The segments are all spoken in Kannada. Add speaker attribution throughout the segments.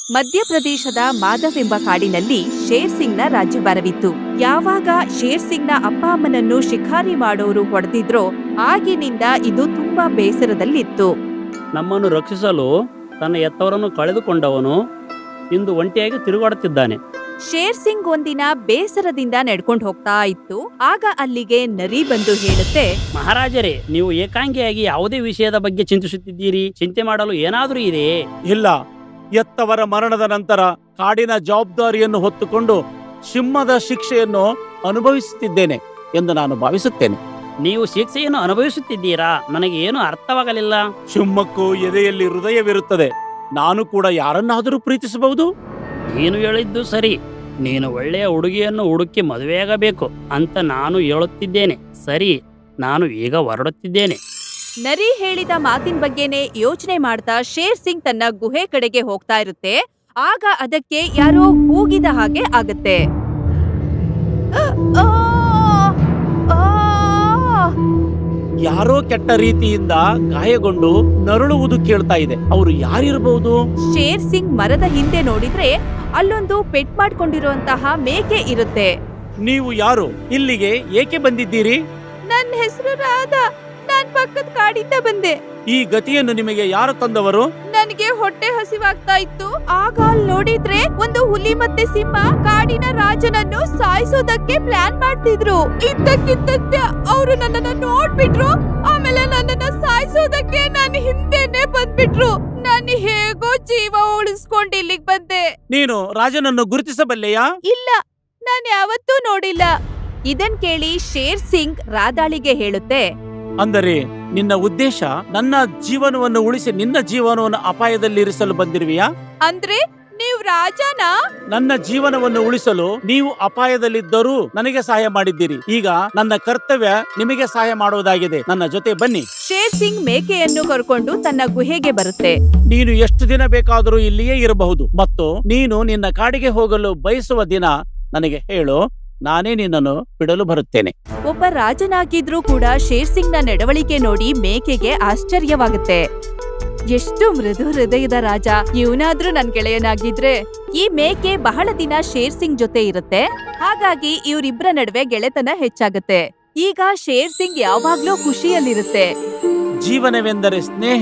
Speaker 1: ಮಧ್ಯಪ್ರದೇಶದ ಮಾಧವ್ ಎಂಬ ಕಾಡಿನಲ್ಲಿ ಶೇರ್ ಸಿಂಗ್ನ ರಾಜ್ಯಭಾರವಿತ್ತು. ಯಾವಾಗ ಶೇರ್ ಸಿಂಗ್ನ ಅಪ್ಪ ಅಮ್ಮನನ್ನು ಶಿಕಾರಿ ಮಾಡೋರು ಹೊಡೆದಿದ್ರೋ ಆಗಿನಿಂದ ಇದು ತುಂಬಾ ಬೇಸರದಲ್ಲಿತ್ತು.
Speaker 2: ನಮ್ಮನ್ನು ರಕ್ಷಿಸಲು ತನ್ನ ಎತ್ತವರನ್ನು ಕಳೆದುಕೊಂಡವನು ಇಂದು ಒಂಟಿಯಾಗಿ ತಿರುಗಾಡುತ್ತಿದ್ದಾನೆ.
Speaker 1: ಶೇರ್ ಸಿಂಗ್ ಒಂದಿನ ಬೇಸರದಿಂದ ನಡ್ಕೊಂಡು ಹೋಗ್ತಾ ಇತ್ತು. ಆಗ ಅಲ್ಲಿಗೆ ನರಿ ಬಂದು ಹೇಳುತ್ತೆ,
Speaker 2: ಮಹಾರಾಜರೇ, ನೀವು ಏಕಾಂಗಿಯಾಗಿ ಯಾವುದೇ ವಿಷಯದ ಬಗ್ಗೆ ಚಿಂತಿಸುತ್ತಿದ್ದೀರಿ? ಚಿಂತೆ ಮಾಡಲು ಏನಾದರೂ ಇದೆಯೇ?
Speaker 3: ಇಲ್ಲ, ಎತ್ತವರ ಮರಣದ ನಂತರ ಕಾಡಿನ ಜವಾಬ್ದಾರಿಯನ್ನು ಹೊತ್ತುಕೊಂಡು ಸಿಂಹದ ಶಿಕ್ಷೆಯನ್ನು ಅನುಭವಿಸುತ್ತಿದ್ದೇನೆ ಎಂದು ನಾನು ಭಾವಿಸುತ್ತೇನೆ.
Speaker 2: ನೀವು ಶಿಕ್ಷೆಯನ್ನು ಅನುಭವಿಸುತ್ತಿದ್ದೀರಾ? ನನಗೆ ಏನು ಅರ್ಥವಾಗಲಿಲ್ಲ.
Speaker 3: ಸಿಂಹಕ್ಕೂ ಎದೆಯಲ್ಲಿ ಹೃದಯವಿರುತ್ತದೆ. ನಾನು ಕೂಡ ಯಾರನ್ನಾದರೂ ಪ್ರೀತಿಸಬಹುದು.
Speaker 2: ನೀನು ಹೇಳಿದ್ದು ಸರಿ. ನೀನು ಒಳ್ಳೆಯ ಹುಡುಗಿಯನ್ನು ಹುಡುಕಿ ಮದುವೆಯಾಗಬೇಕು ಅಂತ ನಾನು ಹೇಳುತ್ತಿದ್ದೇನೆ. ಸರಿ, ನಾನು ಈಗ ಹೊರಡುತ್ತಿದ್ದೇನೆ.
Speaker 1: ನರಿ ಹೇಳಿದ ಮಾತಿನ ಬಗ್ಗೆನೆ ಯೋಚನೆ ಮಾಡ್ತಾ ಶೇರ್ ಸಿಂಗ್ ತನ್ನ ಗುಹೆ ಕಡೆಗೆ ಹೋಗ್ತಾ ಇರುತ್ತೆ. ಆಗ ಅದಕ್ಕೆ ಯಾರೋ ಕೂಗಿದ ಹಾಗೆ ಆಗತ್ತೆ.
Speaker 3: ಯಾರೋ ಕೆಟ್ಟ ರೀತಿಯಿಂದ ಗಾಯಗೊಂಡು ನರಳುವುದು ಕೇಳ್ತಾ ಇದೆ. ಅವರು ಯಾರಿರಬಹುದು?
Speaker 1: ಶೇರ್ ಸಿಂಗ್ ಮರದ ಹಿಂದೆ ನೋಡಿದ್ರೆ ಅಲ್ಲೊಂದು ಪೆಟ್ ಮಾಡ್ಕೊಂಡಿರುವಂತಹ ಮೇಕೆ ಇರುತ್ತೆ.
Speaker 3: ನೀವು ಯಾರು? ಇಲ್ಲಿಗೆ ಏಕೆ ಬಂದಿದ್ದೀರಿ?
Speaker 1: ನನ್ನ ಹೆಸರು ರಾಧಾ. ನಾನ್ ಪಕ್ಕದ ಕಾಡಿಂದ ಬಂದೆ.
Speaker 3: ಈ ಗತಿಯನ್ನು ನಿಮಗೆ ಯಾರು ತಂದವರು?
Speaker 1: ನನಗೆ ಹೊಟ್ಟೆ ಹಸಿವಾಗ್ತಾ ಇತ್ತು. ಆಗ ಅಲ್ಲಿ ನೋಡಿದ್ರೆ ಒಂದು ಹುಲಿ ಮತ್ತೆ ಸಿಂಹ ಕಾಡಿನ ರಾಜನನ್ನು ಸಾಯಿಸೋದಕ್ಕೆ ಪ್ಲಾನ್ ಮಾಡ್ತಿದ್ರು. ಇದ್ದಕ್ಕಿದ್ದಂತೆ ಅವರು ನನ್ನನ್ನ ನೋಡ್ಬಿಟ್ರು. ಆಮೇಲೆ ನನ್ನನ್ನ ಸಾಯಿಸೋದಕ್ಕೆ ನನ್ನ ಹಿಂದೆನೆ ಬಂದ್ಬಿಟ್ರು. ನಾನು ಹೇಗೋ ಜೀವ ಉಳಿಸ್ಕೊಂಡು ಇಲ್ಲಿಗೆ ಬಂದೆ.
Speaker 3: ನೀನು ರಾಜನನ್ನು ಗುರುತಿಸಬಲ್ಲೆಯಾ?
Speaker 1: ಇಲ್ಲ, ನಾನು ಯಾವತ್ತೂ ನೋಡಿಲ್ಲ. ಇದನ್ ಕೇಳಿ ಶೇರ್ ಸಿಂಗ್ ರಾಧಾಳಿಗೆ ಹೇಳುತ್ತೆ,
Speaker 3: ಅಂದರೆ ನಿನ್ನ ಉದ್ದೇಶ ನನ್ನ ಜೀವನವನ್ನು ಉಳಿಸಿ ನಿನ್ನ ಜೀವನವನ್ನು ಅಪಾಯದಲ್ಲಿರಿಸಲು ಬಂದಿರುವೆಯಾ?
Speaker 1: ಅಂದ್ರೆ ನೀವ್ ರಾಜನಾ?
Speaker 3: ನನ್ನ ಜೀವನವನ್ನು ಉಳಿಸಲು ನೀವು ಅಪಾಯದಲ್ಲಿದ್ದರೂ ನನಗೆ ಸಹಾಯ ಮಾಡಿದ್ದೀರಿ. ಈಗ ನನ್ನ ಕರ್ತವ್ಯ ನಿಮಗೆ ಸಹಾಯ ಮಾಡುವುದಾಗಿದೆ. ನನ್ನ ಜೊತೆ ಬನ್ನಿ.
Speaker 1: ಶೇರ್ ಸಿಂಗ್ ಮೇಕೆಯನ್ನು ಕರ್ಕೊಂಡು ತನ್ನ ಗುಹೆಗೆ ಬರುತ್ತೆ.
Speaker 3: ನೀನು ಎಷ್ಟು ದಿನ ಬೇಕಾದರೂ ಇಲ್ಲಿಯೇ ಇರಬಹುದು ಮತ್ತು ನೀನು ನಿನ್ನ ಕಾಡಿಗೆ ಹೋಗಲು ಬಯಸುವ ದಿನ ನನಗೆ ಹೇಳು. ನಾನೇ ನಿನ್ನನ್ನು ಬಿಡಲು ಬರುತ್ತೇನೆ.
Speaker 1: ಒಬ್ಬ ರಾಜನಾಗಿದ್ರೂ ಕೂಡ ಶೇರ್ ಸಿಂಗ್ ನ ನಡವಳಿಕೆ ನೋಡಿ ಮೇಕೆಗೆ ಆಶ್ಚರ್ಯವಾಗುತ್ತೆ. ಎಷ್ಟು ಮೃದು ಹೃದಯದ ರಾಜ ಇವನಾದ್ರೂ ನನ್ ಗೆಳೆಯನಾಗಿದ್ರೆ. ಈ ಮೇಕೆ ಬಹಳ ದಿನ ಶೇರ್ ಸಿಂಗ್ ಜೊತೆ ಇರುತ್ತೆ. ಹಾಗಾಗಿ ಇವರಿಬ್ಬರ ನಡುವೆ ಗೆಳೆತನ ಹೆಚ್ಚಾಗುತ್ತೆ. ಈಗ ಶೇರ್ ಸಿಂಗ್ ಯಾವಾಗ್ಲೂ ಖುಷಿಯಲ್ಲಿರುತ್ತೆ.
Speaker 3: ಜೀವನವೆಂದರೆ ಸ್ನೇಹ,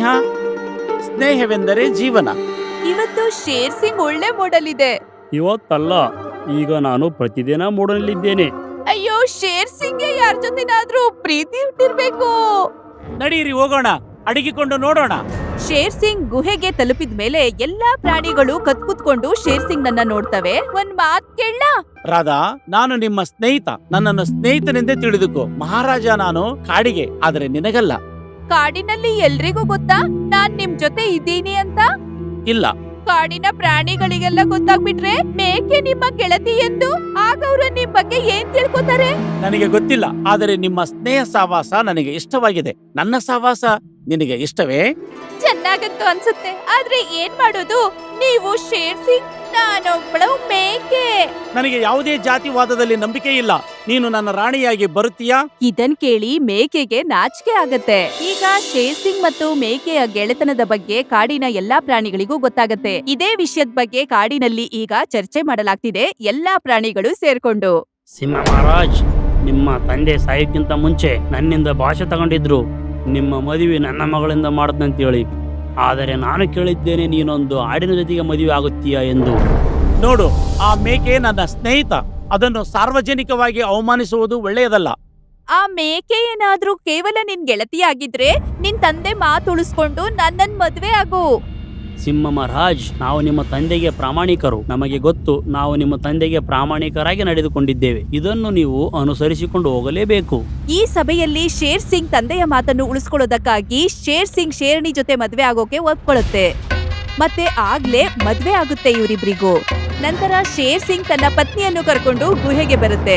Speaker 3: ಸ್ನೇಹವೆಂದರೆ ಜೀವನ.
Speaker 1: ಇವತ್ತು ಶೇರ್ ಸಿಂಗ್ ಒಳ್ಳೆ ಮೂಡಲ್ ಇದೆ.
Speaker 2: ಇವತ್ತಲ್ಲ, ಈಗ ನಾನು ಪ್ರತಿದಿನ ಮೂಡಲಿದ್ದೇನೆ.
Speaker 1: ಅಯ್ಯೋ, ಶೇರ್ ಸಿಂಗ್ಗೆ ಯಾರ ಜೊತೆನಾದ್ರೂ ಪ್ರೀತಿ ಹುಟ್ಟಿರ್ಬೇಕು.
Speaker 3: ನಡೀರಿ ಹೋಗೋಣ, ಅಡಗಿಕೊಂಡು ನೋಡೋಣ.
Speaker 1: ಶೇರ್ ಸಿಂಗ್ ಗುಹೆಗೆ ತಲುಪಿದ ಮೇಲೆ ಎಲ್ಲಾ ಪ್ರಾಣಿಗಳು ಕತ್ಕುತ್ಕೊಂಡು ಶೇರ್ ಸಿಂಗ್ ನನ್ನ ನೋಡ್ತವೆ. ಒಂದ್ ಮಾತ್ ಕೇಳ
Speaker 3: ರಾಧಾ, ನಾನು ನಿಮ್ಮ ಸ್ನೇಹಿತ. ನನ್ನನ್ನು ಸ್ನೇಹಿತನೆಂದೇ ತಿಳಿದುಕೋ. ಮಹಾರಾಜ ನಾನು ಕಾಡಿಗೆ, ಆದರೆ ನಿನಗಲ್ಲ.
Speaker 1: ಕಾಡಿನಲ್ಲಿ ಎಲ್ರಿಗೂ ಗೊತ್ತಾ ನಾನ್ ನಿಮ್ ಜೊತೆ ಇದ್ದೀನಿ ಅಂತ?
Speaker 3: ಇಲ್ಲ.
Speaker 1: ಕಾಡಿನ ಪ್ರಾಣಿಗಳಿಗೆಲ್ಲ ಗೊತ್ತಾಗ್ಬಿಟ್ರೆ ಮೇಕೆ ನಿಮ್ಮ ಗೆಳತಿ ಎಂದು ಆಗ ಅವರು ನಿಮ್ ಬಗ್ಗೆ ಏನ್ ತಿಳ್ಕೊತಾರೆ?
Speaker 3: ನನಗೆ ಗೊತ್ತಿಲ್ಲ, ಆದರೆ ನಿಮ್ಮ ಸ್ನೇಹ ಸಹವಾಸ ನನಗೆ ಇಷ್ಟವಾಗಿದೆ. ನನ್ನ ಸಹವಾಸ ನಿನಗೆ ಇಷ್ಟವೇ?
Speaker 1: ಚೆನ್ನಾಗಂತೂ ಅನ್ಸುತ್ತೆ. ಆದ್ರೆ ಏನ್ ಮಾಡೋದು? ನೀವು ಶೇರ್ ಸಿಂಗ್, ನಾನೊಬ್ಳು ಮೇಕೆ.
Speaker 3: ನನಗೆ ಯಾವುದೇ ಜಾತಿವಾದದಲ್ಲಿ ನಂಬಿಕೆ ಇಲ್ಲ. ನೀನು ನನ್ನ ರಾಣಿಯಾಗಿ ಬರುತ್ತೀಯಾ?
Speaker 1: ಇದನ್ ಕೇಳಿ ಮೇಕೆಗೆ ನಾಚಿಕೆ ಆಗತ್ತೆ. ಈಗ ಶೇರ್ ಸಿಂಗ್ ಮತ್ತು ಮೇಕೆಯ ಗೆಳೆತನದ ಬಗ್ಗೆ ಕಾಡಿನ ಎಲ್ಲಾ ಪ್ರಾಣಿಗಳಿಗೂ ಗೊತ್ತಾಗತ್ತೆ. ಇದೇ ವಿಷಯದ ಬಗ್ಗೆ ಕಾಡಿನಲ್ಲಿ ಈಗ ಚರ್ಚೆ ಮಾಡಲಾಗ್ತಿದೆ, ಎಲ್ಲಾ ಪ್ರಾಣಿಗಳು ಸೇರ್ಕೊಂಡು.
Speaker 2: ಸಿಂಹ ಮಹಾರಾಜ್, ನಿಮ್ಮ ತಂದೆ ಸಾಯಕ್ಕಿಂತ ಮುಂಚೆ ನನ್ನಿಂದ ಭಾಷೆ ತಗೊಂಡಿದ್ರು. ನಿಮ್ಮ ಮದುವೆ ನನ್ನ ಮಗಳಿಂದ ಮಾಡದಂತೇಳಿ. ಆದರೆ ನಾನು ಕೇಳಿದ್ದೇನೆ ನೀನೊಂದು ಆಡಿನ ಜೊತೆಗೆ ಮದುವೆ ಆಗುತ್ತೀಯಾ ಎಂದು.
Speaker 3: ನೋಡು, ಆ ಮೇಕೆ ನನ್ನ ಸ್ನೇಹಿತ. ಅದನ್ನು ಸಾರ್ವಜನಿಕವಾಗಿ ಅವಮಾನಿಸುವುದು ಒಳ್ಳೆಯದಲ್ಲ.
Speaker 1: ಆ ಮೇಕೆ ಏನಾದ್ರೂ ಕೇವಲ ನಿನ್ ಗೆಳತಿಯಾಗಿದ್ರೆ ನಿನ್ ತಂದೆ ಮಾತು ಉಳಿಸ್ಕೊಂಡು ನನ್ನನ್ ಮದ್ವೆ ಆಗು.
Speaker 2: ಸಿಂಹ ಮಹಾರಾಜ್, ನಾವು ನಿಮ್ಮ ತಂದೆಗೆ ಪ್ರಾಮಾಣಿಕರು. ನಮಗೆ ಗೊತ್ತು, ನಾವು ನಿಮ್ಮ ತಂದೆಗೆ ಪ್ರಾಮಾಣಿಕರಾಗಿ ನಡೆದುಕೊಂಡಿದ್ದೇವೆ. ಇದನ್ನು ನೀವು ಅನುಸರಿಸಿಕೊಂಡು ಹೋಗಲೇಬೇಕು.
Speaker 1: ಈ ಸಭೆಯಲ್ಲಿ ಶೇರ್ ಸಿಂಗ್ ತಂದೆಯ ಮಾತನ್ನು ಉಳಿಸ್ಕೊಳ್ಳೋದಕ್ಕಾಗಿ ಶೇರ್ ಸಿಂಗ್ ಶೇರ್ಣಿ ಜೊತೆ ಮದ್ವೆ ಆಗೋಕೆ ಒಪ್ಕೊಳ್ಳುತ್ತೆ. ಮತ್ತೆ ಆಗ್ಲೇ ಮದ್ವೆ ಆಗುತ್ತೆ ಇವರಿಬ್ರಿಗೂ. ನಂತರ ಶೇರ್ ಸಿಂಗ್ ತನ್ನ ಪತ್ನಿಯನ್ನು ಕರ್ಕೊಂಡು ಗುಹೆಗೆ ಬರುತ್ತೆ.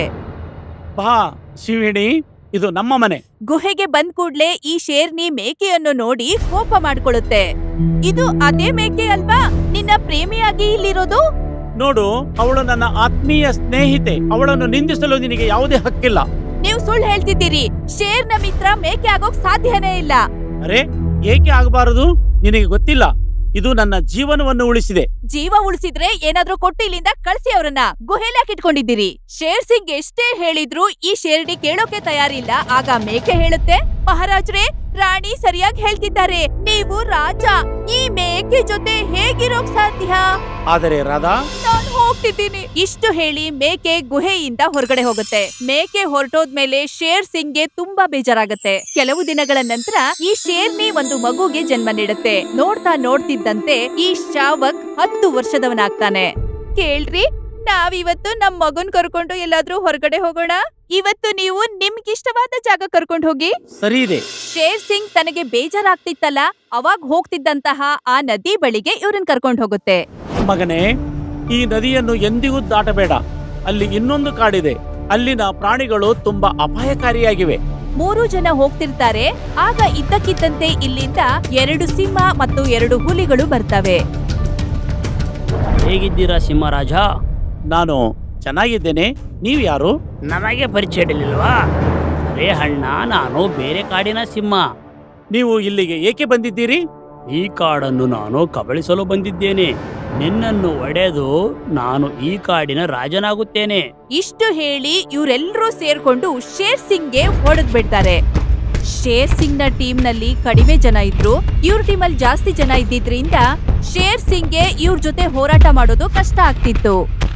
Speaker 3: ಬಾ ಶಿವಿಣಿ, ಇದು ನಮ್ಮ ಮನೆ.
Speaker 1: ಗುಹೆಗೆ ಬಂದ್ ಕೂಡ್ಲೆ ಈ ಶೇರ್ನಿ ಮೇಕೆಯನ್ನು ನೋಡಿ ಕೋಪ ಮಾಡ್ಕೊಳ್ಳುತ್ತೆ. ಇದು ಅದೇ ಮೇಕೆ ಅಲ್ವಾ ನಿನ್ನ ಪ್ರೇಮಿಯಾಗಿ ಇಲ್ಲಿರೋದು?
Speaker 3: ನೋಡು, ಅವಳು ನನ್ನ ಆತ್ಮೀಯ ಸ್ನೇಹಿತೆ. ಅವಳನ್ನು ನಿಂದಿಸಲು ನಿನಗೆ ಯಾವುದೇ ಹಕ್ಕಿಲ್ಲ.
Speaker 1: ನೀವು ಸುಳ್ಳು ಹೇಳ್ತಿದ್ದೀರಿ. ಶೇರ್ನ ಮಿತ್ರ ಮೇಕೆ ಆಗೋಕ್ ಸಾಧ್ಯನೇ ಇಲ್ಲ.
Speaker 3: ಅರೆ, ಏಕೆ ಆಗಬಾರದು? ನಿನಗೆ ಗೊತ್ತಿಲ್ಲ, ಇದು ನನ್ನ ಜೀವನವನ್ನು ಉಳಿಸಿದೆ.
Speaker 1: ಜೀವ ಉಳಿಸಿದ್ರೆ ಏನಾದ್ರೂ ಕೊಟ್ಟು ಇಲ್ಲಿಂದ ಕಳ್ಸಿ ಅವ್ರನ್ನ. ಗುಹೆಲ್ ಯಾಕೆ ಇಟ್ಕೊಂಡಿದ್ದೀರಿ? ಶೇರ್ ಸಿಂಗ್ ಎಷ್ಟೇ ಹೇಳಿದ್ರು ಈ ಶೇರ್ಡಿ ಕೇಳೋಕೆ ತಯಾರಿಲ್ಲ. ಆಗ ಮೇಕೆ ಹೇಳುತ್ತೆ, ಮಹಾರಾಜ್ರೆ, ರಾಣಿ ಸರಿಯಾಗಿ ಹೇಳ್ತಿದ್ದಾರೆ. ನೀವು ರಾಜ, ಈ ಮೇಕೆ ಜೊತೆ ಹೇಗಿರೋಕ್ ಸಾಧ್ಯ?
Speaker 3: ಆದರೆ ರಾಧಾ,
Speaker 1: ನಾನು ಹೋಗ್ತಿದ್ದೀನಿ. ಇಷ್ಟು ಹೇಳಿ ಮೇಕೆ ಗುಹೆಯಿಂದ ಹೊರಗಡೆ ಹೋಗುತ್ತೆ. ಮೇಕೆ ಹೊರಟೋದ್ಮೇಲೆ ಶೇರ್ ಸಿಂಗ್ಗೆ ತುಂಬಾ ಬೇಜಾರಾಗತ್ತೆ. ಕೆಲವು ದಿನಗಳ ನಂತರ ಈ ಶೇರ್ನಿ ಒಂದು ಮಗುಗೆ ಜನ್ಮ ನೀಡುತ್ತೆ. ನೋಡ್ತಾ ನೋಡ್ತಿದ್ದಂತೆ ಈ ಶಾವಕ್ 10 ವರ್ಷದವನಾಗ್ತಾನೆ. ಕೇಳ್ರಿ, ನಾವಿವತ್ತು ನಮ್ ಮಗುನ್ ಕರ್ಕೊಂಡು ಎಲ್ಲಾದ್ರೂ ಹೊರಗಡೆ ಹೋಗೋಣ. ಇವತ್ತು ನೀವು ನಿಮ್ಗಿಷ್ಟವಾದ ಜಾಗ ಕರ್ಕೊಂಡು ಹೋಗಿ.
Speaker 3: ಸರಿ ಇದೆ.
Speaker 1: ಶೇರ್ ಸಿಂಗ್ ತನಗೆ ಬೇಜಾರಾಗ್ತಿತ್ತಲ್ಲ, ಅವಾಗ ಹೋಗ್ತಿದ್ದಂತಹ ಆ ನದಿ ಬಳಿಗೆ ಇವ್ರನ್ ಕರ್ಕೊಂಡು ಹೋಗುತ್ತೆ.
Speaker 3: ಮಗನೇ, ಈ ನದಿಯನ್ನು ಎಂದಿಗೂ ದಾಟಬೇಡ. ಅಲ್ಲಿ ಇನ್ನೊಂದು ಕಾಡಿದೆ. ಅಲ್ಲಿನ ಪ್ರಾಣಿಗಳು ತುಂಬಾ ಅಪಾಯಕಾರಿಯಾಗಿವೆ.
Speaker 1: 3 ಜನ ಹೋಗ್ತಿರ್ತಾರೆ. ಆಗ ಇದ್ದಕ್ಕಿದ್ದಂತೆ ಇಲ್ಲಿಂದ 2 ಸಿಂಹ ಮತ್ತು 2 ಹುಲಿಗಳು ಬರ್ತವೆ.
Speaker 2: ಹೇಗಿದ್ದೀರಾ ಸಿಂಹರಾಜ?
Speaker 3: ನಾನು ಚೆನ್ನಾಗಿದ್ದೇನೆ. ನೀವ್ ಯಾರು?
Speaker 2: ನಮಗೆ ಪರಿಚಯ ಇರಲಿಲ್ವಾ? ಅರೇ ಅಣ್ಣ, ನಾನು ಬೇರೆ ಕಾಡಿನ ಸಿಂಹ.
Speaker 3: ನೀವು ಇಲ್ಲಿಗೆ ಏಕೆ ಬಂದಿದ್ದೀರಿ?
Speaker 2: ಈ ಕಾಡನ್ನು ನಾನು ಕಬಳಿಸಲು ಬಂದಿದ್ದೇನೆ. ನಿನ್ನನ್ನು ಒಡೆದು ನಾನು ಈ ಕಾಡಿನ ರಾಜನಾಗುತ್ತೇನೆ.
Speaker 1: ಇಷ್ಟು ಹೇಳಿ ಇವರೆಲ್ಲರೂ ಸೇರ್ಕೊಂಡು ಶೇರ್ ಸಿಂಗ್ಗೆ ಹೊಡೆದ್ ಬಿಡ್ತಾರೆ. ಶೇರ್ ಸಿಂಗ್ ನ ಟೀಮ್ ನಲ್ಲಿ ಕಡಿಮೆ ಜನ ಇದ್ರು. ಇವ್ರ ಟೀಮ್ ಅಲ್ಲಿ ಜಾಸ್ತಿ ಜನ ಇದ್ದಿದ್ರಿಂದ ಶೇರ್ ಸಿಂಗ್ಗೆ ಇವ್ರ ಜೊತೆ ಹೋರಾಟ ಮಾಡೋದು ಕಷ್ಟ ಆಗ್ತಿತ್ತು.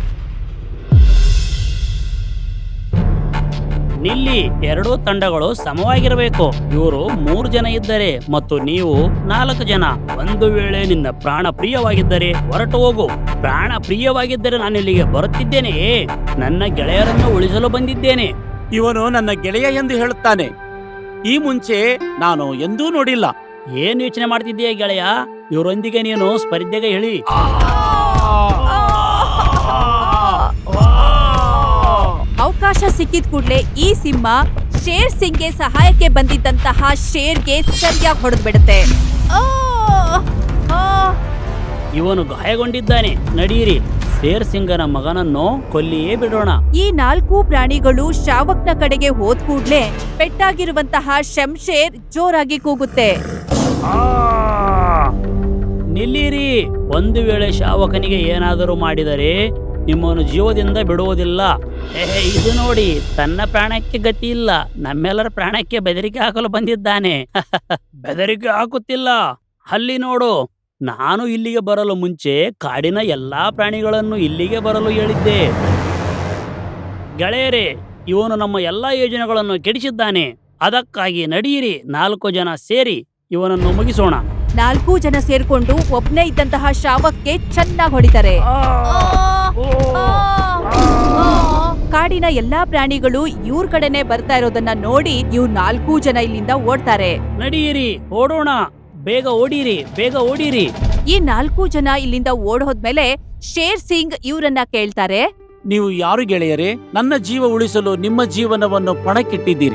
Speaker 2: ನಿಲ್ಲಿ, 2 ತಂಡಗಳು ಸಮವಾಗಿರಬೇಕು. ಇವರು 3 ಜನ ಇದ್ದರೆ ಮತ್ತು ನೀವು 4 ಜನ. ಒಂದು ವೇಳೆ ನಿನ್ನ ಪ್ರಾಣ ಪ್ರಿಯವಾಗಿದ್ದರೆ ಹೊರಟು ಹೋಗು. ಪ್ರಾಣ ಪ್ರಿಯವಾಗಿದ್ದರೆ ನಾನು ಇಲ್ಲಿಗೆ ಬರುತ್ತಿದ್ದೇನೆ. ನನ್ನ ಗೆಳೆಯರನ್ನು ಉಳಿಸಲು ಬಂದಿದ್ದೇನೆ.
Speaker 3: ಇವನು ನನ್ನ ಗೆಳೆಯ ಎಂದು ಹೇಳುತ್ತಾನೆ. ಈ ಮುಂಚೆ ನಾನು ಎಂದೂ ನೋಡಿಲ್ಲ.
Speaker 2: ಏನು ಯೋಚನೆ ಮಾಡ್ತಿದ್ದೀಯ ಗೆಳೆಯ? ಇವರೊಂದಿಗೆ ನೀನು ಸ್ಪರ್ಧೆಗೆ ಹೇಳಿ.
Speaker 1: ಅವಕಾಶ ಸಿಕ್ಕಿದ ಕೂಡ್ಲೆ ಈ ಸಿಂಹ ಶೇರ್ ಸಿಂಗ್ಗೆ ಸಹಾಯಕ್ಕೆ ಬಂದಿದ್ದಂತಹ ಶೇರ್ಗೆ ಸರಿಯಾಗಿ ಹೊಡೆದು ಬಿಡುತ್ತೆ.
Speaker 2: ಇವನು ಗಾಯಗೊಂಡಿದ್ದಾನೆ. ನಡೀರಿ, ಶೇರ್ ಸಿಂಗನ ಮಗನನ್ನು ಕೊಲ್ಲಿಯೇ ಬಿಡೋಣ.
Speaker 1: ಈ 4 ಪ್ರಾಣಿಗಳು ಶಾವಕ್ನ ಕಡೆಗೆ ಹೋದ್ ಕೂಡ್ಲೆ ಪೆಟ್ಟಾಗಿರುವಂತಹ ಶಂಶೇರ್ ಜೋರಾಗಿ ಕೂಗುತ್ತೆ.
Speaker 2: ನಿಲ್ಲಿರಿ. ಒಂದು ವೇಳೆ ಶಾವಕನಿಗೆ ಏನಾದರೂ ಮಾಡಿದರೆ ನಿಮ್ಮನ್ನು ಜೀವದಿಂದ ಬಿಡುವುದಿಲ್ಲ. ಇದು ನೋಡಿ, ತನ್ನ ಪ್ರಾಣಕ್ಕೆ ಗತಿ ಇಲ್ಲ, ನಮ್ಮೆಲ್ಲರ ಪ್ರಾಣಕ್ಕೆ ಬೆದರಿಕೆ ಹಾಕಲು ಬಂದಿದ್ದಾನೆ. ಬೆದರಿಕೆ ಹಾಕುತ್ತಿಲ್ಲ. ಅಲ್ಲಿ ನೋಡು, ನಾನು ಇಲ್ಲಿಗೆ ಬರಲು ಮುಂಚೆ ಕಾಡಿನ ಎಲ್ಲಾ ಪ್ರಾಣಿಗಳನ್ನು ಇಲ್ಲಿಗೆ ಬರಲು ಹೇಳಿದ್ದೆ. ಗೆಳೆಯರೇ, ಇವನು ನಮ್ಮ ಎಲ್ಲಾ ಯೋಜನೆಗಳನ್ನು ಕೆಡಿಸಿದ್ದಾನೆ. ಅದಕ್ಕಾಗಿ ನಡೀರಿ, 4 ಜನ ಸೇರಿ ಇವನನ್ನು ಮುಗಿಸೋಣ.
Speaker 1: 4 ಜನ ಸೇರ್ಕೊಂಡು ಒಬ್ನೇ ಇದ್ದಂತಹ ಶಾವಕ್ಗೆ ಚೆನ್ನಾಗಿ ಹೊಡಿತಾರೆ. ಕಾಡಿನ ಎಲ್ಲಾ ಪ್ರಾಣಿಗಳು ಇವ್ರ ಕಡೆನೆ ಬರ್ತಾ ಇರೋದನ್ನ ನೋಡಿ ಇವ್ರು 4 ಜನ ಇಲ್ಲಿಂದ ಓಡ್ತಾರೆ.
Speaker 2: ನಡೀರಿ, ಓಡೋಣ. ಬೇಗ ಓಡಿರಿ, ಬೇಗ ಓಡಿರಿ.
Speaker 1: ಈ 4 ಜನ ಇಲ್ಲಿಂದ ಓಡ್ ಹೋದ್ಮೇಲೆ ಶೇರ್ ಸಿಂಗ್ ಇವ್ರನ್ನ ಕೇಳ್ತಾರೆ,
Speaker 3: ನೀವು ಯಾರು ಗೆಳೆಯರೇ? ನನ್ನ ಜೀವ ಉಳಿಸಲು ನಿಮ್ಮ ಜೀವನವನ್ನು ಪಣಕ್ಕಿಟ್ಟಿದ್ದೀರಿ.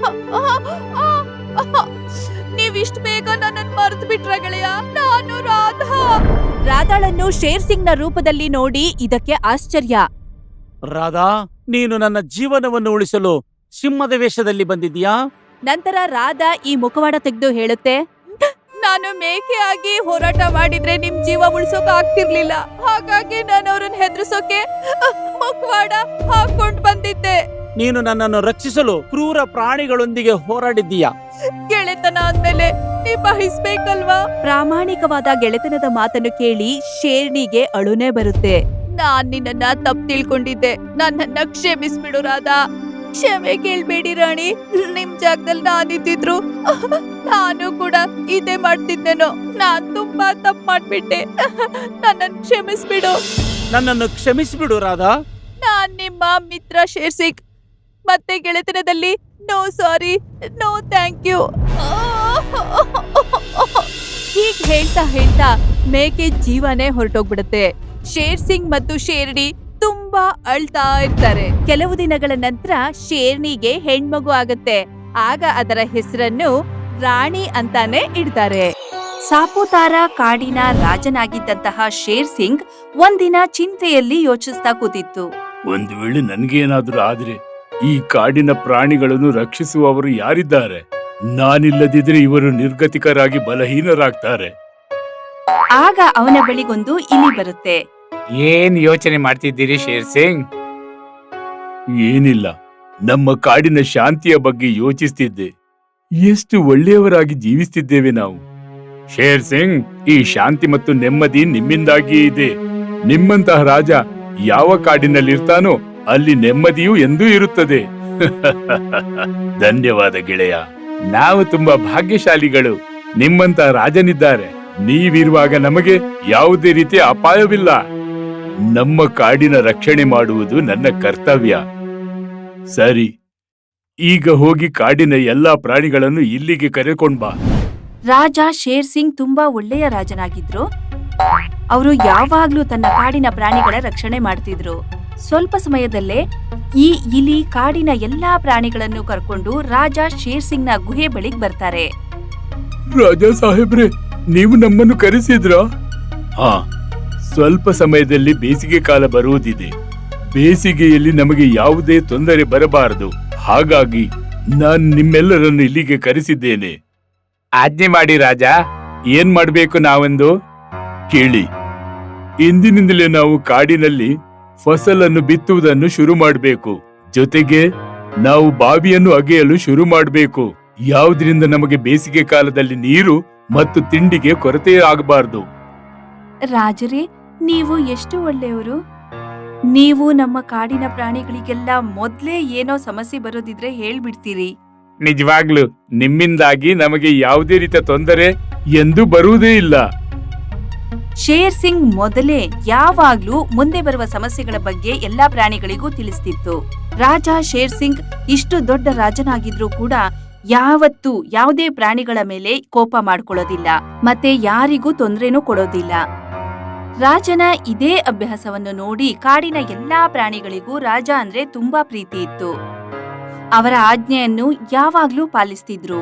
Speaker 1: ನೀವಿಷ್ಟು ಬೇಗ ನನ್ನನ್ನು ಮರೆತು ಬಿಟ್ರ ಗೆಳೆಯ? ನಾನು ರಾಧಾ. ರಾಧಾಳನ್ನು ಶೇರ್ ಸಿಂಗ್ ನ ರೂಪದಲ್ಲಿ ನೋಡಿ ಇದಕ್ಕೆ ಆಶ್ಚರ್ಯ.
Speaker 3: ರಾಧಾ, ನೀನು ನನ್ನ ಜೀವನವನ್ನು ಉಳಿಸಲು ಸಿಂಹದ ವೇಷದಲ್ಲಿ ಬಂದಿದ್ಯಾ?
Speaker 1: ನಂತರ ರಾಧಾ ಈ ಮುಖವಾಡ ತೆಗೆದು ಹೇಳುತ್ತೆ, ನಾನು ಮೇಕೆಯಾಗಿ ಹೋರಾಟ ಮಾಡಿದ್ರೆ ನಿಮ್ ಜೀವ ಉಳಿಸೋಕೆ ಆಗ್ತಿರ್ಲಿಲ್ಲ. ಹಾಗಾಗಿ ನಾನು ಅವ್ರನ್ನ ಹೆದರ್ಸೋಕೆ ಮುಖವಾಡ ಹಾಕೊಂಡ್ ಬಂದಿದ್ದೆ.
Speaker 3: ನೀನು ನನ್ನನ್ನು ರಕ್ಷಿಸಲು ಕ್ರೂರ ಪ್ರಾಣಿಗಳೊಂದಿಗೆ ಹೋರಾಡಿದ್ದೀಯಾ?
Speaker 1: ಗೆಳೆತನ ಅಂದ್ಮೇಲೆ ನಿಭಾಯಿಸ್ಬೇಕಲ್ವಾ? ಪ್ರಾಮಾಣಿಕವಾದ ಗೆಳೆತನದ ಮಾತನ್ನು ಕೇಳಿ ಶೇರ್ಣಿಗೆ ಅಳುನೇ ಬರುತ್ತೆ. ನಾನ್ ನಿನ್ನನ್ನ ತಪ್ಪು ತಿಳ್ಕೊಂಡಿದ್ದೆ. ನನ್ನನ್ನ ಕ್ಷಮಿಸ್ಬಿಡು ರಾಧಾ. ಕ್ಷಮೆ ಕೇಳ್ಬೇಡಿ ರಾಣಿ. ನಿಮ್ ಜಾಗದಲ್ಲಿ ನಾನಿದ್ದಿದ್ರು ನಾನು ಕೂಡ ಇದೇ ಮಾಡ್ತಿದ್ದೇನೋ. ನಾನ್ ತುಂಬಾ ತಪ್ಪು ಮಾಡ್ಬಿಟ್ಟೆ. ನನ್ನನ್ನು ಕ್ಷಮಿಸ್ಬಿಡು.
Speaker 3: ನನ್ನನ್ನು ಕ್ಷಮಿಸಿಬಿಡು ರಾಧಾ.
Speaker 1: ನಾನ್ ನಿಮ್ಮ ಮಿತ್ರ ಶೇರ್ ಸಿಂಗ್. ಮತ್ತೆ ಗೆಳೆತನದಲ್ಲಿ no sorry, no thank you. ಹೀಗ್ ಹೇಳ್ತಾ ಹೇಳ್ತಾ ಮೇಕೆ ಜೀವನೇ ಹೊರಟೋಗ್ಬಿಡುತ್ತೆ. ಶೇರ್ ಸಿಂಗ್ ಮತ್ತು ಶೇರ್ಣಿ ತುಂಬಾ ಅಳ್ತಾ ಇರ್ತಾರೆ. ಕೆಲವು ದಿನಗಳ ನಂತರ ಶೇರ್ಣಿಗೆ ಹೆಣ್ಮಗು ಆಗತ್ತೆ. ಆಗ ಅದರ ಹೆಸರನ್ನು ರಾಣಿ ಅಂತಾನೆ ಇಡ್ತಾರೆ. ಸಾಪುತಾರಾ ಕಾಡಿನ ರಾಜನಾಗಿದ್ದಂತಹ ಶೇರ್ ಸಿಂಗ್ ಒಂದಿನ ಚಿಂತೆಯಲ್ಲಿ ಯೋಚಿಸ್ತಾ ಕೂತಿತ್ತು.
Speaker 4: ಒಂದು ವೇಳೆ ನನ್ಗೇನಾದ್ರೂ ಆದ್ರೆ ಈ ಕಾಡಿನ ಪ್ರಾಣಿಗಳನ್ನು ರಕ್ಷಿಸುವವರು ಯಾರಿದ್ದಾರೆ? ನಾನಿಲ್ಲದಿದ್ರೆ ಇವರು ನಿರ್ಗತಿಕರಾಗಿ ಬಲಹೀನರಾಗ್ತಾರೆ.
Speaker 1: ಆಗ ಅವನ ಬಳಿಗೊಂದು ಇಲಿ ಬರುತ್ತೆ.
Speaker 5: ಏನ್ ಯೋಚನೆ ಮಾಡ್ತಿದ್ದೀರಿ ಶೇರ್ ಸಿಂಗ್?
Speaker 4: ಏನಿಲ್ಲ, ನಮ್ಮ ಕಾಡಿನ ಶಾಂತಿಯ ಬಗ್ಗೆ ಯೋಚಿಸ್ತಿದ್ದೆ. ಎಷ್ಟು ಒಳ್ಳೆಯವರಾಗಿ ಜೀವಿಸ್ತಿದ್ದೇವೆ ನಾವು. ಶೇರ್ ಸಿಂಗ್, ಈ ಶಾಂತಿ ಮತ್ತು ನೆಮ್ಮದಿ ನಿಮ್ಮಿಂದಾಗಿಯೇ ಇದೆ. ನಿಮ್ಮಂತಹ ರಾಜ ಯಾವ ಕಾಡಿನಲ್ಲಿರ್ತಾನೋ ಅಲ್ಲಿ ನೆಮ್ಮದಿಯೂ ಎಂದೂ ಇರುತ್ತದೆ. ಧನ್ಯವಾದ ಗೆಳೆಯ. ನಾವು ತುಂಬಾ ಭಾಗ್ಯಶಾಲಿಗಳು. ನಿಮ್ಮಂತಹ ರಾಜನಿದ್ದಾರೆ. ನೀವಿರುವಾಗ ನಮಗೆ ಯಾವುದೇ ರೀತಿಯ ಅಪಾಯವಿಲ್ಲ. ನಮ್ಮ ಕಾಡಿನ ರಕ್ಷಣೆ ಮಾಡುವುದು ನನ್ನ ಕರ್ತವ್ಯ. ಸರಿ, ಈಗ ಹೋಗಿ ಕಾಡಿನ ಎಲ್ಲಾ ಪ್ರಾಣಿಗಳನ್ನು ಇಲ್ಲಿಗೆ ಕರೆಕೊಂಡ್ ಬಾ.
Speaker 1: ರಾಜ ಶೇರ್ ಸಿಂಗ್ ತುಂಬಾ ಒಳ್ಳೆಯ ರಾಜನಾಗಿದ್ರು. ಅವರು ಯಾವಾಗ್ಲೂ ತನ್ನ ಕಾಡಿನ ಪ್ರಾಣಿಗಳ ರಕ್ಷಣೆ ಮಾಡ್ತಿದ್ರು. ಸ್ವಲ್ಪ ಸಮಯದಲ್ಲೇ ಈ ಇಲಿ ಕಾಡಿನ ಎಲ್ಲಾ ಪ್ರಾಣಿಗಳನ್ನು ಕರ್ಕೊಂಡು ರಾಜ ಶೇರ್ ಸಿಂಗ್ ನ ಗುಹೆ ಬಳಿಗ್ ಬರ್ತಾರೆ.
Speaker 4: ರಾಜಾ ಸಾಹೇಬ್ರೆ, ನೀವು ನಮ್ಮನ್ನು ಕರೆಸಿದ್ರಾ? ಹಾ, ಸ್ವಲ್ಪ ಸಮಯದಲ್ಲಿ ಬೇಸಿಗೆ ಕಾಲ ಬರುವುದಿದೆ. ಬೇಸಿಗೆಯಲ್ಲಿ ನಮಗೆ ಯಾವುದೇ ತೊಂದರೆ ಬರಬಾರದು. ಹಾಗಾಗಿ ನಾನು ನಿಮ್ಮೆಲ್ಲರನ್ನು ಇಲ್ಲಿಗೆ ಕರೆಸಿದ್ದೇನೆ.
Speaker 5: ಆಜ್ಞೆ ಮಾಡಿ ರಾಜ.
Speaker 4: ಏನ್ ಮಾಡ್ಬೇಕು ನಾವೆಂದು ಕೇಳಿ. ಇಂದಿನಿಂದಲೇ ನಾವು ಕಾಡಿನಲ್ಲಿ ಫಸಲನ್ನು ಬಿತ್ತುವುದನ್ನು ಶುರು ಮಾಡಬೇಕು. ಜೊತೆಗೆ ನಾವು ಬಾವಿಯನ್ನು ಅಗೆಯಲು ಶುರು ಮಾಡಬೇಕು. ಯಾವುದರಿಂದ ನಮಗೆ ಬೇಸಿಗೆ ಕಾಲದಲ್ಲಿ ನೀರು ಮತ್ತು ತಿಂಡಿಗೆ ಕೊರತೆ ಆಗಬಾರದು.
Speaker 1: ರಾಜರೇ, ನೀವು ಎಷ್ಟು ಒಳ್ಳೆಯವರು. ನೀವು ನಮ್ಮ ಕಾಡಿನ ಪ್ರಾಣಿಗಳಿಗೆಲ್ಲ ಮೊದ್ಲೇ ಏನೋ ಸಮಸ್ಯೆ ಬರೋದಿದ್ರೆ ಹೇಳ್ಬಿಡ್ತೀರಿ.
Speaker 5: ನಿಜವಾಗ್ಲು
Speaker 4: ನಿಮ್ಮಿಂದಾಗಿ ನಮಗೆ ಯಾವುದೇ ರೀತಿಯ ತೊಂದರೆ ಎಂದೂ ಬರುವುದೇ ಇಲ್ಲ.
Speaker 1: ಶೇರ್ ಸಿಂಗ್ ಮೊದಲೇ ಯಾವಾಗ್ಲೂ ಮುಂದೆ ಬರುವ ಸಮಸ್ಯೆಗಳ ಬಗ್ಗೆ ಎಲ್ಲಾ ಪ್ರಾಣಿಗಳಿಗೂ ತಿಳಿಸ್ತಿತ್ತು. ರಾಜ ಶೇರ್ ಸಿಂಗ್ ಇಷ್ಟು ದೊಡ್ಡ ರಾಜನಾಗಿದ್ರೂ ಕೂಡ ಯಾವತ್ತೂ ಯಾವುದೇ ಪ್ರಾಣಿಗಳ ಮೇಲೆ ಕೋಪ ಮಾಡ್ಕೊಳ್ಳೋದಿಲ್ಲ, ಮತ್ತೆ ಯಾರಿಗೂ ತೊಂದರೆನೂ ಕೊಡೋದಿಲ್ಲ. ರಾಜನ ಇದೇ ಅಭ್ಯಾಸವನ್ನು ನೋಡಿ ಕಾಡಿನ ಎಲ್ಲಾ ಪ್ರಾಣಿಗಳಿಗೂ ರಾಜ ಅಂದ್ರೆ ತುಂಬಾ ಪ್ರೀತಿ ಇತ್ತು. ಅವರ ಆಜ್ಞೆಯನ್ನು ಯಾವಾಗ್ಲೂ ಪಾಲಿಸ್ತಿದ್ರು.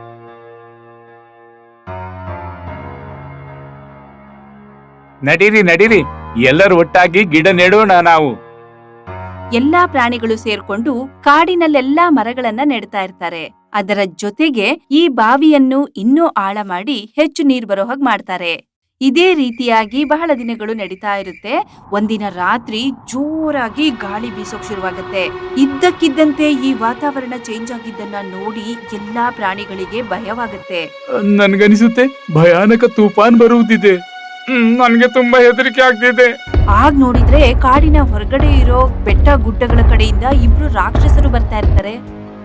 Speaker 5: ನಡೀರಿ ನಡೀರಿ, ಎಲ್ಲರೂ ಒಟ್ಟಾಗಿ ಗಿಡ ನೆಡೋಣ ನಾವು.
Speaker 1: ಎಲ್ಲಾ ಪ್ರಾಣಿಗಳು ಸೇರ್ಕೊಂಡು ಕಾಡಿನಲ್ಲೆಲ್ಲಾ ಮರಗಳನ್ನ ನೆಡ್ತಾ ಇರ್ತಾರೆ. ಅದರ ಜೊತೆಗೆ ಈ ಬಾವಿಯನ್ನು ಇನ್ನೂ ಆಳ ಮಾಡಿ ಹೆಚ್ಚು ನೀರ್ ಬರೋ ಹಾಗೆ ಮಾಡ್ತಾರೆ. ಇದೇ ರೀತಿಯಾಗಿ ಬಹಳ ದಿನಗಳು ನಡೀತಾ ಇರುತ್ತೆ. ಒಂದಿನ ರಾತ್ರಿ ಜೋರಾಗಿ ಗಾಳಿ ಬೀಸೋಕ್ ಶುರುವಾಗತ್ತೆ. ಇದ್ದಕ್ಕಿದ್ದಂತೆ ಈ ವಾತಾವರಣ ಚೇಂಜ್ ಆಗಿದ್ದನ್ನ ನೋಡಿ ಎಲ್ಲಾ ಪ್ರಾಣಿಗಳಿಗೆ ಭಯವಾಗತ್ತೆ.
Speaker 4: ನನ್ಗನಿಸುತ್ತೆ ಭಯಾನಕ ತೂಫಾನ್ ಬರುವುದಿದೆ.
Speaker 5: ನನ್ಗೆ ತುಂಬಾ ಹೆದರಿಕೆ ಆಗ್ತಿದೆ.
Speaker 1: ಆಗ್ ನೋಡಿದ್ರೆ ಕಾಡಿನ ಹೊರಗಡೆ ಇರೋ ಬೆಟ್ಟ ಗುಡ್ಡಗಳ ಕಡೆಯಿಂದ ಇಬ್ರು ರಾಕ್ಷಸರು ಬರ್ತಾ ಇರ್ತಾರೆ.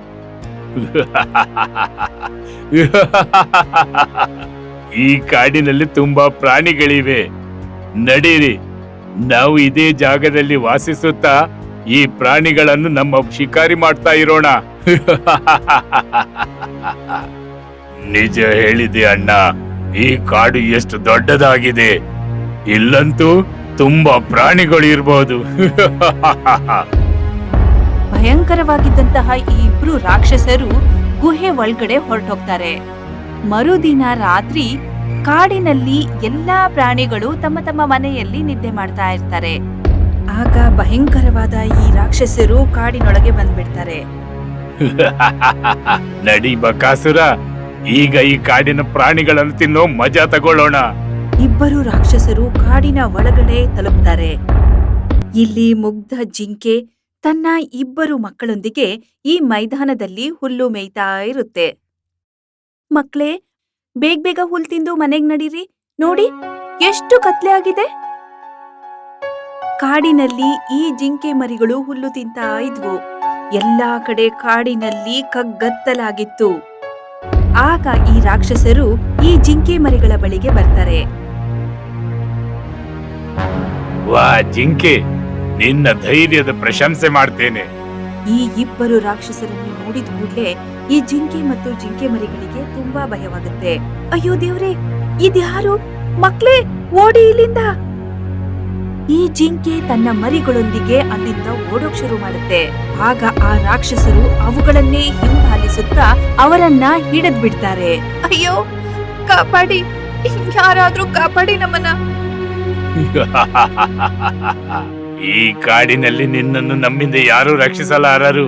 Speaker 4: ಈ ಕಾಡಿನಲ್ಲಿ ತುಂಬಾ ಪ್ರಾಣಿಗಳಿವೆ. ನಡೀರಿ, ನಾವು ಇದೇ ಜಾಗದಲ್ಲಿ ವಾಸಿಸುತ್ತಾ ಈ ಪ್ರಾಣಿಗಳನ್ನು ನಮ್ಮ ಶಿಕಾರಿ ಮಾಡ್ತಾ ಇರೋಣ. ನಿಜ ಹೇಳಿದೆ ಅಣ್ಣ, ಈ ಕಾಡು ಎಷ್ಟು ದೊಡ್ಡದಾಗಿದೆ. ಇಲ್ಲಂತೂ ತುಂಬಾ ಪ್ರಾಣಿಗಳು ಇರಬಹುದು.
Speaker 1: ಭಯಂಕರವಾಗಿದ್ದಂತಹ ಈ ಇಬ್ರು ರಾಕ್ಷಸರು ಗುಹೆ ಒಳಗಡೆ ಹೊರಟೋಗ್ತಾರೆ. ಮರುದಿನ ರಾತ್ರಿ ಕಾಡಿನಲ್ಲಿ ಎಲ್ಲಾ ಪ್ರಾಣಿಗಳು ತಮ್ಮ ತಮ್ಮ ಮನೆಯಲ್ಲಿ ನಿದ್ದೆ ಮಾಡ್ತಾ ಇರ್ತಾರೆ. ಆಗ ಭಯಂಕರವಾದ ಈ ರಾಕ್ಷಸರು ಕಾಡಿನೊಳಗೆ ಬಂದ್ಬಿಡ್ತಾರೆ.
Speaker 4: ನಡಿ ಬಕಾಸುರ, ಈಗ ಈ ಕಾಡಿನ ಪ್ರಾಣಿಗಳನ್ನು ತಿನ್ನೋ ಮಜಾ ತಗೊಳ್ಳೋಣ.
Speaker 1: ಇಬ್ಬರು ರಾಕ್ಷಸರು ಕಾಡಿನ ಒಳಗಡೆ ತಲುಪ್ತಾರೆ. ಇಲ್ಲಿ ಮುಗ್ಧ ಜಿಂಕೆ ತನ್ನ ಇಬ್ಬರು ಮಕ್ಕಳೊಂದಿಗೆ ಈ ಮೈದಾನದಲ್ಲಿ ಹುಲ್ಲು ಮೇಯ್ತಾ ಇರುತ್ತೆ. ಮಕ್ಳೇ, ಬೇಗ ಬೇಗ ಹುಲ್ ತಿಂದು ಮನೆಗ್ ನಡೀರಿ. ನೋಡಿ ಎಷ್ಟು ಕತ್ಲೆ ಆಗಿದೆ. ಕಾಡಿನಲ್ಲಿ ಈ ಜಿಂಕೆ ಮರಿಗಳು ಹುಲ್ಲು ತಿಂತಾ ಇದ್ವು. ಎಲ್ಲಾ ಕಡೆ ಕಾಡಿನಲ್ಲಿ ಕಗ್ಗತ್ತಲಾಗಿತ್ತು. ಆಗ ಈ ರಾಕ್ಷಸರು ಈ ಜಿಂಕೆ ಮರಿಗಳ ಬಳಿಗೆ ಬರ್ತಾರೆ.
Speaker 4: ವಾ ಜಿಂಕೆ, ನಿನ್ನ ಧೈರ್ಯದ ಪ್ರಶಂಸೆ ಮಾಡ್ತೇನೆ.
Speaker 1: ಈ ಇಬ್ಬರು ರಾಕ್ಷಸರನ್ನು ನೋಡಿದ ಕೂಡ್ಲೆ ಈ ಜಿಂಕೆ ಮತ್ತು ಜಿಂಕೆ ಮರಿಗಳಿಗೆ ತುಂಬಾ ಭಯವಾಗುತ್ತೆ. ಅಯ್ಯೋ ದೇವ್ರೆ, ಇದ್ಯಾರು? ಮಕ್ಳೇ, ಓಡಿ ಇಲ್ಲಿಂದ. ಈ ಜಿಂಕೆ ತನ್ನ ಮರಿಗಳೊಂದಿಗೆ ಅಲ್ಲಿಂದ ಓಡೋಕ್ ಶುರು ಮಾಡುತ್ತೆ. ಆಗ ಆ ರಾಕ್ಷಸರು ಅವುಗಳನ್ನೇ ಹಿಂಬಾಲಿಸುತ್ತಾ ಅವರನ್ನ ಹಿಡಿದ್ ಬಿಡ್ತಾರೆ. ಅಯ್ಯೋ, ಕಾಪಾಡಿ, ಯಾರಾದ್ರೂ ಕಾಪಾಡಿ ನಮ್ಮನ್ನ.
Speaker 4: ಈ ಕಾಡಿನಲ್ಲಿ ನಿನ್ನನ್ನು ನಮ್ಮಿಂದ ಯಾರು ರಕ್ಷಿಸಲಾರರು.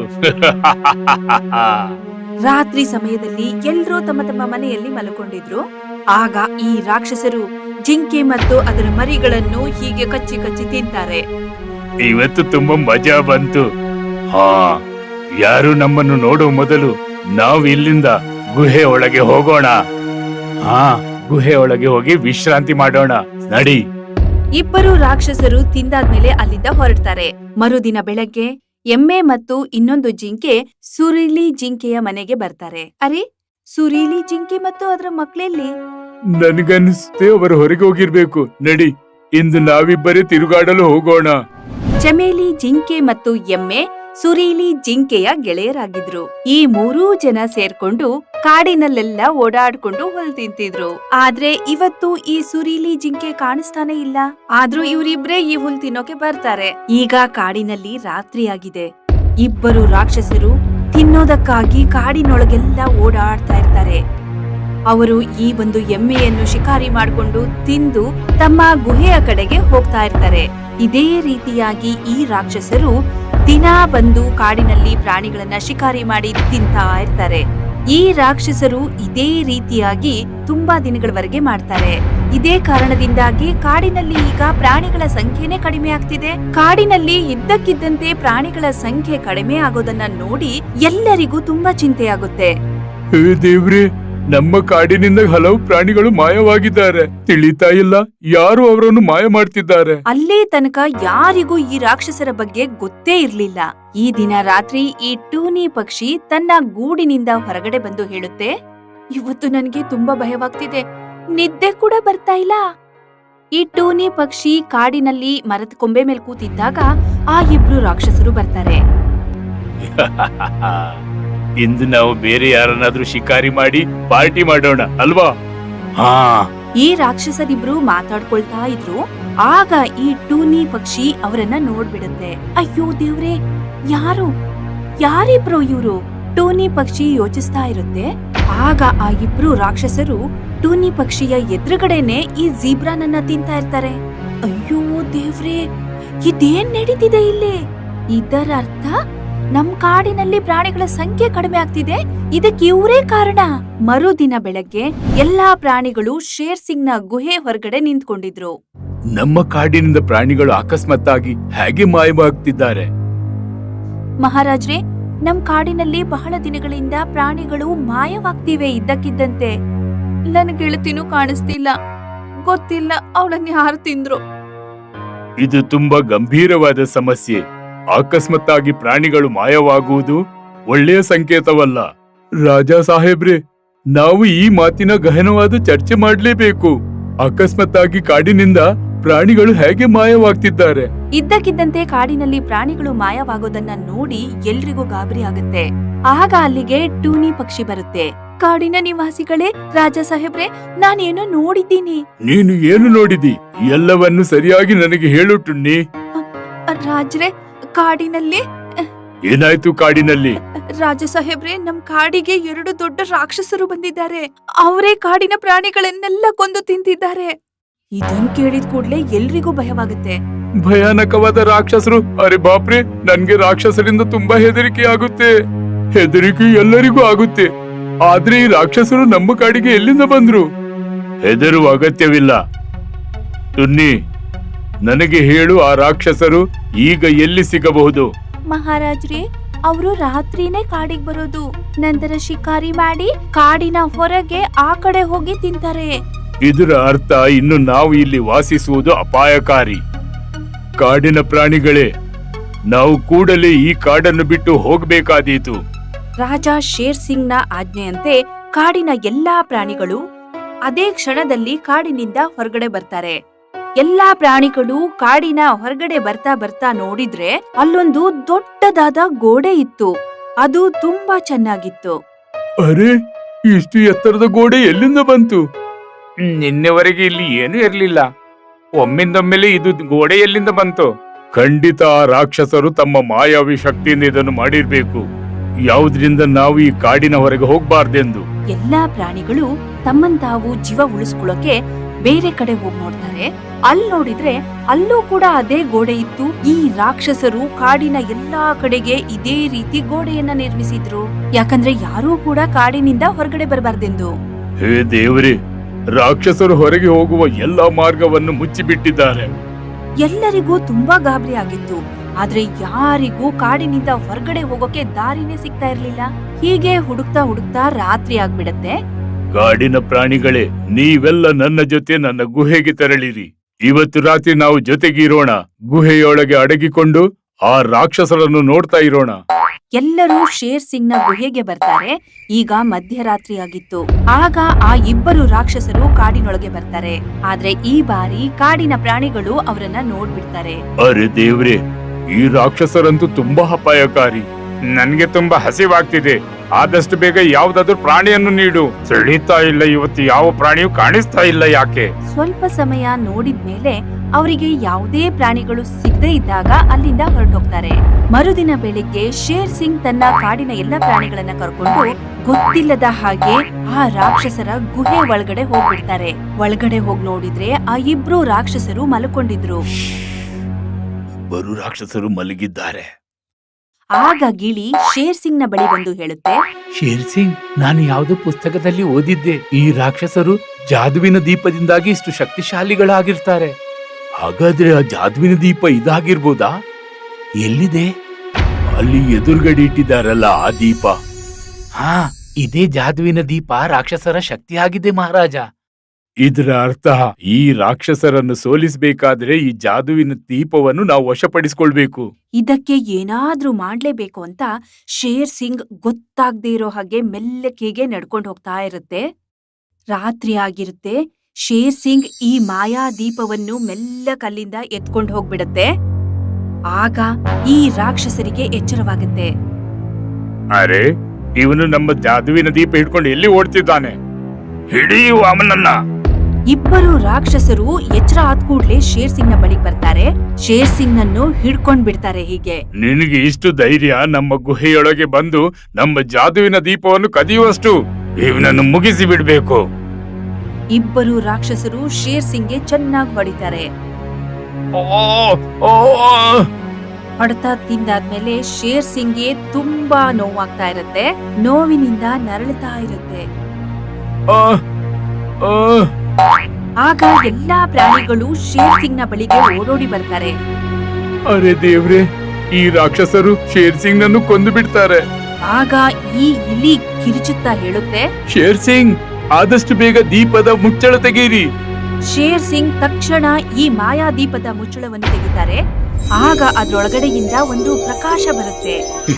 Speaker 1: ರಾತ್ರಿ ಸಮಯದಲ್ಲಿ ಎಲ್ರೂ ತಮ್ಮ ತಮ್ಮ ಮನೆಯಲ್ಲಿ ಮಲ್ಕೊಂಡಿದ್ರು. ಆಗ ಈ ರಾಕ್ಷಸರು ಜಿಂಕೆ ಮತ್ತು ಅದರ ಮರಿಗಳನ್ನು ಹೀಗೆ ಕಚ್ಚಿ ಕಚ್ಚಿ ತಿಂತಾರೆ.
Speaker 4: ಇವತ್ತು ತುಂಬಾ ಮಜಾ ಬಂತು. ಹಾ, ಯಾರು ನಮ್ಮನ್ನು ನೋಡುವ ಮೊದಲು ನಾವು ಇಲ್ಲಿಂದ ಗುಹೆ ಒಳಗೆ ಹೋಗೋಣ. ಹಾ, ಗುಹೆ ಒಳಗೆ ಹೋಗಿ ವಿಶ್ರಾಂತಿ ಮಾಡೋಣ. ನಡಿ.
Speaker 1: ಇಬ್ಬರು ರಾಕ್ಷಸರು ತಿಂದಾದ್ಮೇಲೆ ಅಲ್ಲಿಂದ ಹೊರಡ್ತಾರೆ. ಮರುದಿನ ಬೆಳಗ್ಗೆ ಎಮ್ಮೆ ಮತ್ತು ಇನ್ನೊಂದು ಜಿಂಕೆ ಸುರೀಲಿ ಜಿಂಕೆಯ ಮನೆಗೆ ಬರ್ತಾರೆ. ಅರೆ, ಸುರೀಲಿ ಜಿಂಕೆ ಮತ್ತು ಅದರ ಮಕ್ಕಳೆಲ್ಲಿ?
Speaker 4: ನನಗನ್ನಿಸುತ್ತೆ ಅವರು ಹೊರಗೆ ಹೋಗಿರ್ಬೇಕು. ನಡಿ, ಇಂದು ನಾವಿಬ್ಬರೇ ತಿರುಗಾಡಲು ಹೋಗೋಣ.
Speaker 1: ಚಮೇಲಿ ಜಿಂಕೆ ಮತ್ತು ಎಮ್ಮೆ ಸುರೀಲಿ ಜಿಂಕೆಯ ಗೆಳೆಯರಾಗಿದ್ರು. ಈ ಮೂರೂ ಜನ ಸೇರ್ಕೊಂಡು ಕಾಡಿನಲ್ಲೆಲ್ಲ ಓಡಾಡ್ಕೊಂಡು ಹುಲ್ ತಿಂತಿದ್ರು. ಆದ್ರೆ ಇವತ್ತು ಈ ಸುರೀಲಿ ಜಿಂಕೆ ಕಾಣಿಸ್ತಾನೆ ಇಲ್ಲ. ಆದ್ರೂ ಇವರಿಬ್ರೇ ಈ ಹುಲ್ ತಿನ್ನೋಕೆ ಬರ್ತಾರೆ. ಈಗ ಕಾಡಿನಲ್ಲಿ ರಾತ್ರಿಯಾಗಿದೆ. ಇಬ್ಬರು ರಾಕ್ಷಸರು ತಿನ್ನೋದಕ್ಕಾಗಿ ಕಾಡಿನೊಳಗೆಲ್ಲ ಓಡಾಡ್ತಾ ಇರ್ತಾರೆ. ಅವರು ಈ ಒಂದು ಎಮ್ಮೆಯನ್ನು ಶಿಕಾರಿ ಮಾಡಿಕೊಂಡು ತಿಂದು ತಮ್ಮ ಗುಹೆಯ ಕಡೆಗೆ ಹೋಗ್ತಾ ಇರ್ತಾರೆ. ಇದೇ ರೀತಿಯಾಗಿ ಈ ರಾಕ್ಷಸರು ದಿನಾ ಬಂದು ಕಾಡಿನಲ್ಲಿ ಪ್ರಾಣಿಗಳನ್ನ ಶಿಕಾರಿ ಮಾಡಿ ತಿಂತಾ ಇರ್ತಾರೆ. ಈ ರಾಕ್ಷಸರು ಇದೇ ರೀತಿಯಾಗಿ ತುಂಬಾ ದಿನಗಳವರೆಗೆ ಮಾಡ್ತಾರೆ. ಇದೇ ಕಾರಣದಿಂದಾಗಿ ಕಾಡಿನಲ್ಲಿ ಈಗ ಪ್ರಾಣಿಗಳ ಸಂಖ್ಯೆನೇ ಕಡಿಮೆ ಆಗ್ತಿದೆ. ಕಾಡಿನಲ್ಲಿ ಇದ್ದಕ್ಕಿದ್ದಂತೆ ಪ್ರಾಣಿಗಳ ಸಂಖ್ಯೆ ಕಡಿಮೆ ಆಗೋದನ್ನ ನೋಡಿ ಎಲ್ಲರಿಗೂ ತುಂಬಾ ಚಿಂತೆಯಾಗುತ್ತೆ.
Speaker 4: ಹೇ ದೇವ್ರೆ, ನಮ್ಮ ಕಾಡಿನಿಂದ ಹಲವು ಪ್ರಾಣಿಗಳು ಮಾಯವಾಗಿದ್ದಾರೆ. ತಿಳಿತಾ ಇಲ್ಲ, ಯಾರು ಅವರನ್ನು ಮಾಯ ಮಾಡ್ತಿದ್ದಾರೆ.
Speaker 1: ಅಲ್ಲೇ ತನಕ ಯಾರಿಗೂ ಈ ರಾಕ್ಷಸರ ಬಗ್ಗೆ ಗೊತ್ತೇ ಇರ್ಲಿಲ್ಲ. ಈ ದಿನ ರಾತ್ರಿ ಈ ಟೂನಿ ಪಕ್ಷಿ ತನ್ನ ಗೂಡಿನಿಂದ ಹೊರಗಡೆ ಬಂದು ಹೇಳುತ್ತೆ, ಇವತ್ತು ನನಗೆ ತುಂಬಾ ಭಯವಾಗ್ತಿದೆ, ನಿದ್ದೆ ಕೂಡ ಬರ್ತಾ ಇಲ್ಲ. ಈ ಟೂನಿ ಪಕ್ಷಿ ಕಾಡಿನಲ್ಲಿ ಮರದ ಕೊಂಬೆ ಮೇಲೆ ಕೂತಿದ್ದಾಗ ಆ ಇಬ್ರು ರಾಕ್ಷಸರು ಬರ್ತಾರೆ.
Speaker 4: ಇಂದು ನಾವು ಬೇರೆ ಯಾರನ್ನಾದ್ರೂ ಶಿಕಾರಿ ಮಾಡಿ ಪಾರ್ಟಿ ಮಾಡೋಣ ಅಲ್ವಾ? ಹಾ.
Speaker 1: ಈ ರಾಕ್ಷಸರಿಬ್ರು ಮಾತಾಡ್ಕೊಳ್ತಾ ಇದ್ರು. ಆಗ ಈ ಟೂನಿ ಪಕ್ಷಿ ಅವರನ್ನ ನೋಡ್ಬಿಡುತ್ತೆ. ಅಯ್ಯೋ ದೇವ್ರೆ, ಯಾರಿಬ್ರು ಇವ್ರು? ಟೂನಿ ಪಕ್ಷಿ ಯೋಚಿಸ್ತಾ ಇರುತ್ತೆ. ಆಗ ಆ ಇಬ್ರು ರಾಕ್ಷಸರು ಟೂನಿ ಪಕ್ಷಿಯ ಎದುರುಗಡೆನೆ ಈ ಜೀಬ್ರಾನನ್ನ ತಿಂತಾ ಇರ್ತಾರೆ. ಅಯ್ಯೋ ದೇವ್ರೆ, ಇದೇನ್ ನಡೀತಿದೆ ಇಲ್ಲಿ? ಇದರ ಅರ್ಥ ನಮ್ ಕಾಡಿನಲ್ಲಿ ಪ್ರಾಣಿಗಳ ಸಂಖ್ಯೆ ಕಡಿಮೆ ಆಗ್ತಿದೆ. ಇದಕ್ಕೆ ಇವರೇ ಕಾರಣ. ಮರುದಿನ ಬೆಳಗ್ಗೆ ಎಲ್ಲಾ ಪ್ರಾಣಿಗಳು ಶೇರ್ ಸಿಂಗ್ ನ ಗುಹೆ ಹೊರಗಡೆ ನಿಂತ್ಕೊಂಡಿದ್ರು.
Speaker 4: ನಮ್ಮ ಕಾಡಿನಿಂದ ಪ್ರಾಣಿಗಳು ಅಕಸ್ಮಾತ್ತಾಗಿ ಹೇಗೆ ಮಾಯವಾಗ್ತಿದ್ದಾರೆ?
Speaker 1: ಮಹಾರಾಜ್ರೆ, ನಮ್ ಕಾಡಿನಲ್ಲಿ ಬಹಳ ದಿನಗಳಿಂದ ಪ್ರಾಣಿಗಳು ಮಾಯವಾಗ್ತಿವೆ ಇದ್ದಕ್ಕಿದ್ದಂತೆ. ನನ್ ಗೆಳತಿನೂ ಕಾಣಿಸ್ತಿಲ್ಲ. ಗೊತ್ತಿಲ್ಲ ಅವಳನ್ನ ಯಾರು ತಿಂದ್ರು.
Speaker 4: ಇದು ತುಂಬಾ ಗಂಭೀರವಾದ ಸಮಸ್ಯೆ. ಅಕಸ್ಮಾತ್ತಾಗಿ ಪ್ರಾಣಿಗಳು ಮಾಯವಾಗುವುದು ಒಳ್ಳೆಯ ಸಂಕೇತವಲ್ಲ. ರಾಜಾ ಸಾಹೇಬ್ರೆ, ನಾವು ಈ ಮಾತಿನ ಗಹನವಾದ ಚರ್ಚೆ ಮಾಡಲೇಬೇಕು. ಅಕಸ್ಮಾತ್ತಾಗಿ ಕಾಡಿನಿಂದ ಪ್ರಾಣಿಗಳು ಹೇಗೆ ಮಾಯವಾಗ್ತಿದ್ದಾರೆ?
Speaker 1: ಇದ್ದಕ್ಕಿದ್ದಂತೆ ಕಾಡಿನಲ್ಲಿ ಪ್ರಾಣಿಗಳು ಮಾಯವಾಗೋದನ್ನ ನೋಡಿ ಎಲ್ರಿಗೂ ಗಾಬರಿ ಆಗುತ್ತೆ. ಆಗ ಅಲ್ಲಿಗೆ ಟೂನಿ ಪಕ್ಷಿ ಬರುತ್ತೆ. ಕಾಡಿನ ನಿವಾಸಿಗಳೇ, ರಾಜಾ ಸಾಹೇಬ್ರೆ, ನಾನೇನೋ ನೋಡಿದ್ದೀನಿ.
Speaker 4: ನೀನು ಏನು ನೋಡಿದಿ? ಎಲ್ಲವನ್ನು ಸರಿಯಾಗಿ ನನಗೆ ಹೇಳು ಟುನ್ನಿ.
Speaker 1: ರಾಜ್ರೆ, ಕಾಡಿನಲ್ಲಿ
Speaker 4: ಏನಾಯ್ತು ಕಾಡಿನಲ್ಲಿ?
Speaker 1: ರಾಜ ಸಾಹೇಬ್ರೆ, ನಮ್ ಕಾಡಿಗೆ 2 ದೊಡ್ಡ ರಾಕ್ಷಸರು ಬಂದಿದ್ದಾರೆ. ಅವರೇ ಕಾಡಿನ ಪ್ರಾಣಿಗಳನ್ನೆಲ್ಲ ಕೊಂದು ತಿಂತಿದ್ದಾರೆ. ಇದನ್ ಕೇಳಿದ ಕೂಡ್ಲೆ ಎಲ್ರಿಗೂ ಭಯವಾಗುತ್ತೆ.
Speaker 4: ಭಯಾನಕವಾದ ರಾಕ್ಷಸರು? ಅರೆ ಬಾಪ್ರೆ, ನನ್ಗೆ ರಾಕ್ಷಸರಿಂದ ತುಂಬಾ ಹೆದರಿಕೆ ಆಗುತ್ತೆ. ಹೆದರಿಕೆ ಎಲ್ಲರಿಗೂ ಆಗುತ್ತೆ. ಆದ್ರೆ ಈ ರಾಕ್ಷಸರು ನಮ್ಮ ಕಾಡಿಗೆ ಎಲ್ಲಿಂದ ಬಂದ್ರು? ಹೆದರುವ ಅಗತ್ಯವಿಲ್ಲ. ಟುನ್ನಿ, ನನಗೆ ಹೇಳು, ಆ ರಾಕ್ಷಸರು ಈಗ ಎಲ್ಲಿ ಸಿಗಬಹುದು?
Speaker 1: ಮಹಾರಾಜ್ರೆ, ಅವರು ರಾತ್ರಿನೇ ಕಾಡಿಗೆ ಬರೋದು. ನಂತರ ಶಿಕಾರಿ ಮಾಡಿ ಕಾಡಿನ ಹೊರಗೆ ಆ ಕಡೆ ಹೋಗಿ ತಿಂತಾರೆ.
Speaker 4: ಇದರ ಅರ್ಥ ಇನ್ನು ನಾವು ಇಲ್ಲಿ ವಾಸಿಸುವುದು ಅಪಾಯಕಾರಿ. ಕಾಡಿನ ಪ್ರಾಣಿಗಳೇ, ನಾವು ಕೂಡಲೇ ಈ ಕಾಡನ್ನು ಬಿಟ್ಟು ಹೋಗಬೇಕಾದೀತು.
Speaker 1: ರಾಜ ಶೇರ್ ಸಿಂಗ್ ನ ಆಜ್ಞೆಯಂತೆ ಕಾಡಿನ ಎಲ್ಲಾ ಪ್ರಾಣಿಗಳು ಅದೇ ಕ್ಷಣದಲ್ಲಿ ಕಾಡಿನಿಂದ ಹೊರಗಡೆ ಬರ್ತಾರೆ. ಎಲ್ಲಾ ಪ್ರಾಣಿಗಳು ಕಾಡಿನ ಹೊರಗಡೆ ಬರ್ತಾ ಬರ್ತಾ ನೋಡಿದ್ರೆ ಅಲ್ಲೊಂದು ದೊಡ್ಡದಾದ ಗೋಡೆ ಇತ್ತು. ಅದು ತುಂಬಾ ಚೆನ್ನಾಗಿತ್ತು.
Speaker 4: ಅರೆ, ಇಷ್ಟು ಎತ್ತರದ ಗೋಡೆ ಎಲ್ಲಿಂದ ಬಂತು?
Speaker 5: ನಿನ್ನೆವರೆಗೆ ಇಲ್ಲಿ ಏನೂ ಇರ್ಲಿಲ್ಲ. ಒಮ್ಮಿಂದೊಮ್ಮೆಲೆ ಇದು ಗೋಡೆ ಎಲ್ಲಿಂದ ಬಂತು?
Speaker 4: ಖಂಡಿತ ಆ ರಾಕ್ಷಸರು ತಮ್ಮ ಮಾಯಾವಿ ಶಕ್ತಿಯಿಂದ ಇದನ್ನು ಮಾಡಿರ್ಬೇಕು. ಯಾವುದರಿಂದ ನಾವು ಈ ಕಾಡಿನ ಹೊರಗೆ ಹೋಗ್ಬಾರ್ದೆಂದು.
Speaker 1: ಎಲ್ಲಾ ಪ್ರಾಣಿಗಳು ತಮ್ಮಂತಾವು ಜೀವ ಉಳಿಸ್ಕೊಳ್ಳೋಕೆ ಬೇರೆ ಕಡೆ ಹೋಗಿ ನೋಡ್ತಾರೆ. ಅಲ್ಲಿ ನೋಡಿದ್ರೆ ಅಲ್ಲೂ ಕೂಡ ಅದೇ ಗೋಡೆ ಇತ್ತು. ಈ ರಾಕ್ಷಸರು ಕಾಡಿನ ಎಲ್ಲಾ ಕಡೆಗೆ ಇದೇ ರೀತಿ ಗೋಡೆಯನ್ನ ನಿರ್ಮಿಸಿದ್ರು. ಯಾಕಂದ್ರೆ ಯಾರೂ ಕೂಡ ಕಾಡಿನಿಂದ ಹೊರಗಡೆ ಬರಬಾರ್ದೆಂದು.
Speaker 4: ಹೇ ದೇವ್ರೆ, ರಾಕ್ಷಸರು ಹೊರಗೆ ಹೋಗುವ ಎಲ್ಲಾ ಮಾರ್ಗವನ್ನು ಮುಚ್ಚಿಬಿಟ್ಟಿದ್ದಾರೆ.
Speaker 1: ಎಲ್ಲರಿಗೂ ತುಂಬಾ ಗಾಬರಿ ಆಗಿತ್ತು. ಆದ್ರೆ ಯಾರಿಗೂ ಕಾಡಿನಿಂದ ಹೊರಗಡೆ ಹೋಗೋಕೆ ದಾರಿನೇ ಸಿಗ್ತಾ ಇರ್ಲಿಲ್ಲ. ಹೀಗೆ ಹುಡುಕ್ತಾ ಹುಡುಕ್ತಾ ರಾತ್ರಿ ಆಗ್ಬಿಡತ್ತೆ.
Speaker 4: ಕಾಡಿನ ಪ್ರಾಣಿಗಳೇ, ನೀವೆಲ್ಲ ನನ್ನ ಜೊತೆ ನನ್ನ ಗುಹೆಗೆ ತೆರಳಿರಿ. ಇವತ್ತು ರಾತ್ರಿ ನಾವು ಜೊತೆಗಿರೋಣ. ಗುಹೆಯೊಳಗೆ ಅಡಗಿಕೊಂಡು ಆ ರಾಕ್ಷಸರನ್ನು ನೋಡ್ತಾ ಇರೋಣ.
Speaker 1: ಎಲ್ಲರೂ ಶೇರ್ ಸಿಂಗ್ ನ ಗುಹೆಗೆ ಬರ್ತಾರೆ. ಈಗ ಮಧ್ಯರಾತ್ರಿ ಆಗಿತ್ತು. ಆಗ ಆ ಇಬ್ಬರು ರಾಕ್ಷಸರು ಕಾಡಿನೊಳಗೆ ಬರ್ತಾರೆ. ಆದ್ರೆ ಈ ಬಾರಿ ಕಾಡಿನ ಪ್ರಾಣಿಗಳು ಅವರನ್ನ ನೋಡ್ಬಿಡ್ತಾರೆ.
Speaker 4: ಅರೆ ದೇವ್ರೆ, ಈ ರಾಕ್ಷಸರಂತೂ ತುಂಬಾ ಅಪಾಯಕಾರಿ.
Speaker 5: ನನ್ಗೆ ತುಂಬಾ ಹಸಿವಾಗ್ತಿದೆ. ಆದಷ್ಟು ಬೇಗ ಯಾವ್ದಾದ್ರು ಪ್ರಾಣಿಯನ್ನು ನೀಡು. ಸೆಳೀತಾ ಇಲ್ಲ, ಇವತ್ತು ಯಾವ ಪ್ರಾಣಿಯೂ ಕಾಣಿಸ್ತಾ ಇಲ್ಲ. ಯಾಕೆ?
Speaker 1: ಸ್ವಲ್ಪ ಸಮಯ ನೋಡಿದ್ಮೇಲೆ ಅವರಿಗೆ ಯಾವುದೇ ಪ್ರಾಣಿಗಳು ಸಿಗದೇ ಇದ್ದಾಗ ಅಲ್ಲಿಂದ ಹೊರಟೋಗ್ತಾರೆ. ಮರುದಿನ ಬೆಳಿಗ್ಗೆ ಶೇರ್ ಸಿಂಗ್ ತನ್ನ ಕಾಡಿನ ಎಲ್ಲ ಪ್ರಾಣಿಗಳನ್ನ ಕರ್ಕೊಂಡು ಗೊತ್ತಿಲ್ಲದ ಹಾಗೆ ಆ ರಾಕ್ಷಸರ ಗುಹೆ ಒಳಗಡೆ ಹೋಗ್ಬಿಡ್ತಾರೆ. ಒಳಗಡೆ ಹೋಗಿ ನೋಡಿದ್ರೆ ಆ ಇಬ್ರು ರಾಕ್ಷಸರು ಮಲ್ಕೊಂಡಿದ್ರು.
Speaker 4: ಬರು ರಾಕ್ಷಸರು ಮಲಗಿದ್ದಾರೆ.
Speaker 1: ಆಗ ಗಿಳಿ ಶೇರ್ ಸಿಂಗ್ ನ ಬಳಿ ಬಂದು ಹೇಳುತ್ತೆ,
Speaker 4: ಶೇರ್ ಸಿಂಗ್, ನಾನು ಯಾವುದೋ ಪುಸ್ತಕದಲ್ಲಿ ಓದಿದ್ದೆ, ಈ ರಾಕ್ಷಸರು ಜಾದುವಿನ ದೀಪದಿಂದಾಗಿ ಇಷ್ಟು ಶಕ್ತಿಶಾಲಿಗಳಾಗಿರ್ತಾರೆ. ಹಾಗಾದ್ರೆ ಆ ಜಾದುವಿನ ದೀಪ ಇದಾಗಿರ್ಬೋದಾ? ಎಲ್ಲಿದೆ? ಅಲ್ಲಿ ಎದುರುಗಡೆ ಇಟ್ಟಿದ್ದಾರಲ್ಲ ಆ ದೀಪ. ಹಾ, ಇದೇ ಜಾದುವಿನ ದೀಪ ರಾಕ್ಷಸರ ಶಕ್ತಿಯಾಗಿದೆ ಮಹಾರಾಜ. ಇದರ ಅರ್ಥ ಈ ರಾಕ್ಷಸರನ್ನು ಸೋಲಿಸಬೇಕಾದ್ರೆ ಈ ಜಾದುವಿನ ದೀಪವನ್ನು ನಾವು ವಶಪಡಿಸಿಕೊಳ್ಬೇಕು.
Speaker 1: ಇದಕ್ಕೆ ಏನಾದ್ರೂ ಮಾಡ್ಲೇಬೇಕು ಅಂತ ಶೇರ್ ಸಿಂಗ್ ಗೊತ್ತಾಗ್ದೇ ಇರೋ ಹಾಗೆ ಮೆಲ್ಲಕೆಗೆ ನಡ್ಕೊಂಡು ಹೋಗ್ತಾ ಇರುತ್ತೆ. ರಾತ್ರಿ ಆಗಿರುತ್ತೆ. ಶೇರ್ ಸಿಂಗ್ ಈ ಮಾಯಾ ದೀಪವನ್ನು ಮೆಲ್ಲಕಲ್ಲಿಂದ ಎತ್ಕೊಂಡು ಹೋಗ್ಬಿಡತ್ತೆ. ಆಗ ಈ ರಾಕ್ಷಸರಿಗೆ ಎಚ್ಚರವಾಗುತ್ತೆ.
Speaker 5: ಅರೆ, ಇವನು ನಮ್ಮ ಜಾದುವಿನ ದೀಪ ಹಿಡ್ಕೊಂಡು ಎಲ್ಲಿ ಓಡ್ತಿದ್ದಾನೆ? ಹಿಡಿಯುವ ಅವನನ್ನ.
Speaker 1: ಇಬ್ಬರು ರಾಕ್ಷಸರು ಎಚ್ಚರ ಆದ ಕೂಡ್ಲೆ ಶೇರ್ ಸಿಂಗ್ ನ ಬಳಿಗೆ ಬರ್ತಾರೆ. ಶೇರ್ ಸಿಂಗ್ ನನ್ನು ಹಿಡ್ಕೊಂಡ್ ಬಿಡ್ತಾರೆ. ಹೀಗೆ,
Speaker 5: ನಿನಗೆ ಇಷ್ಟು ಧೈರ್ಯ ನಮ್ಮ ಗುಹೆಯೊಳಗೆ ಬಂದು ನಮ್ಮ ಜಾದುವಿನ ದೀಪವನ್ನು ಕದಿಯುವಷ್ಟು? ಇವನನ್ನು ಮುಗಿಸಿ ಬಿಡ್ಬೇಕು.
Speaker 1: ಇಬ್ಬರು ರಾಕ್ಷಸರು ಶೇರ್ ಸಿಂಗ್ಗೆ ಚೆನ್ನಾಗಿ ಹೊಡಿತಾರೆ. ಹೊಡೆತ ತಿಂದಾದ್ಮೇಲೆ ಶೇರ್ ಸಿಂಗ್ಗೆ ತುಂಬಾ ನೋವಾಗ್ತಾ ಇರುತ್ತೆ. ನೋವಿನಿಂದ ನರಳುತ್ತಾ ಇರುತ್ತೆ. ಆಗ ಎಲ್ಲಾ ಪ್ರಾಣಿಗಳು ಶೇರ್ ಸಿಂಗ್ ನ ಬಳಿಗೆ ಓಡೋಡಿ ಬರ್ತಾರೆ.
Speaker 4: ಅರೆ ದೇವ್ರೆ, ಈ ರಾಕ್ಷಸರು ಶೇರ್ ಸಿಂಗ್ ನನ್ನು ಕೊಂದು ಬಿಡ್ತಾರೆ.
Speaker 1: ಆಗ ಈ ಇಲಿ ಕಿರಿಚುತ್ತಾ ಹೇಳುತ್ತೆ,
Speaker 4: ಶೇರ್ ಸಿಂಗ್, ಆದಷ್ಟು ಬೇಗ ದೀಪದ ಮುಚ್ಚಳ ತೆಗೀರಿ.
Speaker 1: ಶೇರ್ ಸಿಂಗ್ ತಕ್ಷಣ ಈ ಮಾಯಾ ದೀಪದ ಮುಚ್ಚಳವನ್ನು ತೆಗಿತಾರೆ. ಆಗ ಅದ್ರೊಳಗಡೆಯಿಂದ ಒಂದು ಪ್ರಕಾಶ ಬರುತ್ತೆ.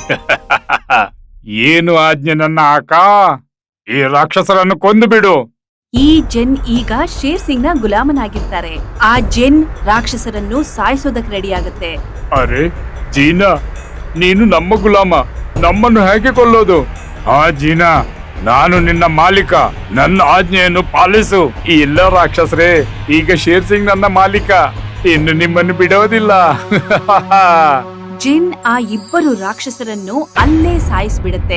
Speaker 5: ಏನು ಆಜ್ಞೆ ನನ್ನ ಆಕ? ಈ ರಾಕ್ಷಸರನ್ನು ಕೊಂದು ಬಿಡು.
Speaker 1: ಈ ಜೆನ್ ಈಗ ಶೇರ್ ಸಿಂಗ್ ನ ಗುಲಾಮನಾಗಿರ್ತಾರೆ. ಆ ಜೆನ್ ರಾಕ್ಷಸರನ್ನು ಸಾಯಿಸೋದಕ್ಕೆ ರೆಡಿ ಆಗುತ್ತೆ.
Speaker 5: ಅರೆ ಜೀನಾ, ನೀನು ನಮ್ಮ ಗುಲಾಮ, ನಮ್ಮನ್ನು ಹೇಗೆ ಕೊಲ್ಲೋದು? ಹಾ ಜೀನಾ, ನಾನು ನಿನ್ನ ಮಾಲೀಕ, ನನ್ನ ಆಜ್ಞೆಯನ್ನು ಪಾಲಿಸು. ಈ ಎಲ್ಲ ರಾಕ್ಷಸರೇ, ಈಗ ಶೇರ್ ಸಿಂಗ್ ನನ್ನ ಮಾಲೀಕ, ಇನ್ನು ನಿಮ್ಮನ್ನು ಬಿಡೋದಿಲ್ಲ.
Speaker 1: ಜಿನ್ ಆ ಇಬ್ಬರು ರಾಕ್ಷಸರನ್ನು ಅಲ್ಲೇ ಸಾಯಿಸ್ಬಿಡುತ್ತೆ.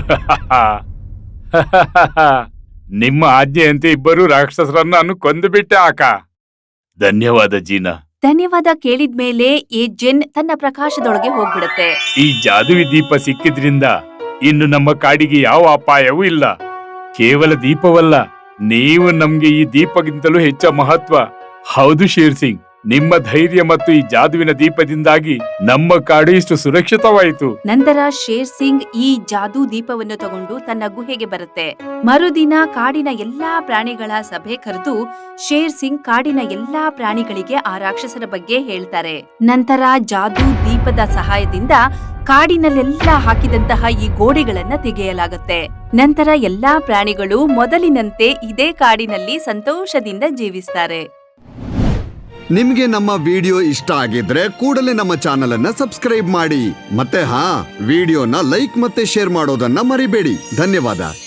Speaker 5: ನಿಮ್ಮ ಆಜ್ಞೆಯಂತೆ ಇಬ್ಬರು ರಾಕ್ಷಸರನ್ನು ನಾನು ಕೊಂದು ಬಿಟ್ಟೆ ಆಕ.
Speaker 4: ಧನ್ಯವಾದ ಜೀನಾ.
Speaker 1: ಧನ್ಯವಾದ ಕೇಳಿದ್ಮೇಲೆ ಈ ಜೆನ್ ತನ್ನ ಪ್ರಕಾಶದೊಳಗೆ ಹೋಗ್ಬಿಡುತ್ತೆ.
Speaker 4: ಈ ಜಾದುವಿ ದೀಪ ಸಿಕ್ಕಿದ್ರಿಂದ ಇನ್ನು ನಮ್ಮ ಕಾಡಿಗೆ ಯಾವ ಅಪಾಯವೂ ಇಲ್ಲ. ಕೇವಲ ದೀಪವಲ್ಲ, ನೀವು ನಮ್ಗೆ ಈ ದೀಪಗಿಂತಲೂ ಹೆಚ್ಚ ಮಹತ್ವ. ಹೌದು ಶೇರ್ ಸಿಂಗ್, ನಿಮ್ಮ ಧೈರ್ಯ ಮತ್ತು ಈ ಜಾದುವಿನ ದೀಪದಿಂದಾಗಿ ನಮ್ಮ ಕಾಡು ಇಷ್ಟು ಸುರಕ್ಷಿತವಾಯಿತು.
Speaker 1: ನಂತರ ಶೇರ್ ಸಿಂಗ್ ಈ ಜಾದೂ ದೀಪವನ್ನು ತಗೊಂಡು ತನ್ನ ಗುಹೆಗೆ ಬರುತ್ತೆ. ಮರುದಿನ ಕಾಡಿನ ಎಲ್ಲಾ ಪ್ರಾಣಿಗಳ ಸಭೆ ಕರೆದು ಶೇರ್ ಸಿಂಗ್ ಕಾಡಿನ ಎಲ್ಲಾ ಪ್ರಾಣಿಗಳಿಗೆ ಆ ರಾಕ್ಷಸರ ಬಗ್ಗೆ ಹೇಳ್ತಾರೆ. ನಂತರ ಜಾದೂ ದೀಪದ ಸಹಾಯದಿಂದ ಕಾಡಿನಲ್ಲೆಲ್ಲ ಹಾಕಿದಂತಹ ಈ ಗೋಡೆಗಳನ್ನ ತೆಗೆಯಲಾಗುತ್ತೆ. ನಂತರ ಎಲ್ಲಾ ಪ್ರಾಣಿಗಳು ಮೊದಲಿನಂತೆ ಇದೇ ಕಾಡಿನಲ್ಲಿ ಸಂತೋಷದಿಂದ ಜೀವಿಸ್ತಾರೆ.
Speaker 6: ನಿಮ್ಗೆ ನಮ್ಮ ವಿಡಿಯೋ ಇಷ್ಟ ಆಗಿದ್ರೆ ಕೂಡಲೇ ನಮ್ಮ ಚಾನೆಲ್ ಅನ್ನ ಸಬ್ಸ್ಕ್ರೈಬ್ ಮಾಡಿ. ಮತ್ತೆ ವಿಡಿಯೋನ ಲೈಕ್ ಮತ್ತೆ ಶೇರ್ ಮಾಡೋದನ್ನ ಮರಿಬೇಡಿ. ಧನ್ಯವಾದ.